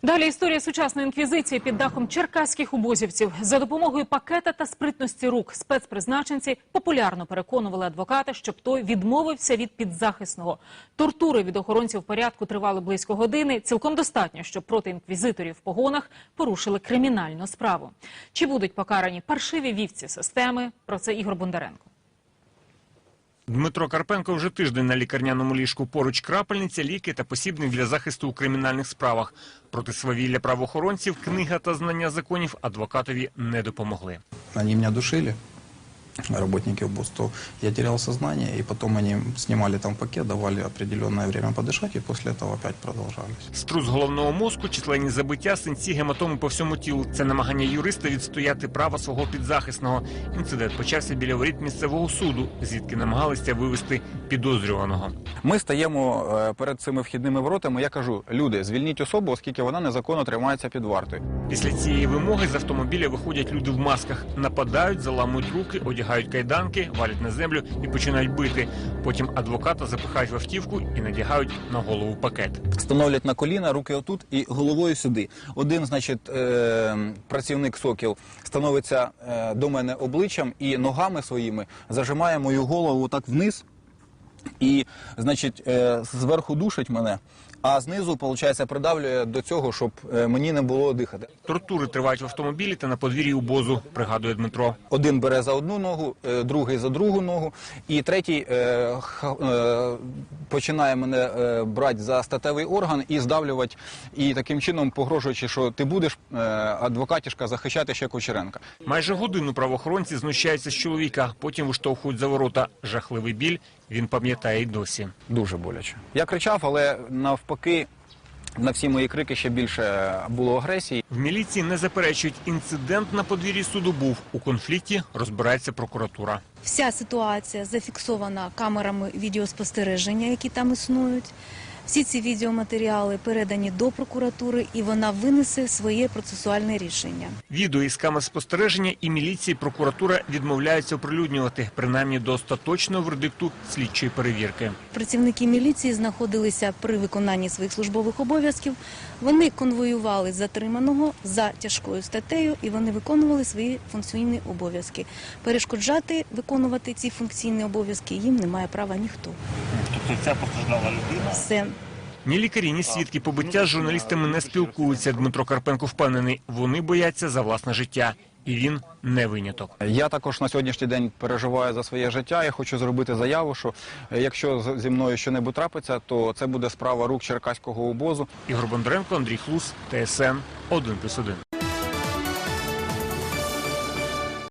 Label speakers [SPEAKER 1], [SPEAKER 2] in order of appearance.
[SPEAKER 1] Далі історія сучасної інквізиції під дахом черкаських убозівців. За допомогою пакета та спритності рук спецпризначенці популярно переконували адвоката, щоб той відмовився від підзахисного. Тортури від охоронців порядку тривали близько години. Цілком достатньо, щоб проти інквізиторів в погонах порушили кримінальну справу. Чи будуть покарані паршиві вівці системи? Про це Ігор Бондаренко.
[SPEAKER 2] Дмитро Карпенко вже тиждень на лікарняному ліжку. Поруч крапельниця, ліки та посібник для захисту у кримінальних справах. Проти свавілля правоохоронців книга та знання законів адвокатові не допомогли.
[SPEAKER 3] Вони мене душили, работники УБОС, я терял сознание, и потом они снимали там пакет, давали определенное время подышать, и после этого опять продолжались.
[SPEAKER 2] Струс головного мозку, численні забиття, синці, гематоми по всьому тілу. Це намагання юриста відстояти право свого підзахисного. Інцидент почався біля воріт місцевого суду, звідки намагалися вивезти підозрюваного.
[SPEAKER 4] Ми стаємо перед цими вхідними воротами, я кажу, люди, звільніть особу, оскільки вона незаконно тримається під вартою.
[SPEAKER 2] Після цієї вимоги з автомобіля виходять люди в масках, нападають, заламують руки, одягають кайданки, валять на землю і починають бити. Потім адвоката запихають в автівку і надягають на голову пакет.
[SPEAKER 4] Становлять на коліна, руки отут і головою сюди. Один, значить, працівник «Сокіл» становиться до мене обличчям і ногами своїми зажимає мою голову так вниз і, значить, зверху душить мене, а знизу, виходить, придавлює до цього, щоб мені не було дихати.
[SPEAKER 2] Тортури тривають в автомобілі та на подвір'ї УБОЗу, пригадує Дмитро.
[SPEAKER 4] Один бере за одну ногу, другий за другу ногу, і третій починає мене брати за статевий орган і здавлювати, і таким чином погрожуючи, що ти будеш, адвокатішка, захищати ще Кучеренка.
[SPEAKER 2] Майже годину правоохоронці знущаються з чоловіка, потім виштовхують за ворота. Жахливий біль він пам'ятає й досі.
[SPEAKER 4] Дуже боляче. Я кричав, але навпаки, на всі мої крики ще більше було агресії.
[SPEAKER 2] В міліції не заперечують, інцидент на подвір'ї суду був. У конфлікті розбирається прокуратура.
[SPEAKER 5] Вся ситуація зафіксована камерами відеоспостереження, які там існують. Всі ці відеоматеріали передані до прокуратури, і вона винесе своє процесуальне рішення.
[SPEAKER 2] Відео із камер спостереження і міліції прокуратура відмовляються оприлюднювати, принаймні до остаточного вердикту слідчої перевірки.
[SPEAKER 5] Працівники міліції знаходилися при виконанні своїх службових обов'язків. Вони конвоювали затриманого за тяжкою статтею, і вони виконували свої функційні обов'язки. Перешкоджати виконувати ці функційні обов'язки їм не має права ніхто.
[SPEAKER 2] Тобто ця постраждала людина?
[SPEAKER 5] Все.
[SPEAKER 2] Ні лікарі, ні свідки побиття з журналістами не спілкуються. Дмитро Карпенко впевнений, вони бояться за власне життя. І він не виняток.
[SPEAKER 4] Я також на сьогоднішній день переживаю за своє життя. Я хочу зробити заяву, що якщо зі мною щось трапиться, то це буде справа рук черкаського УБОЗу.
[SPEAKER 2] Ігор Бондаренко, Андрій Хлус, ТСН 1+1.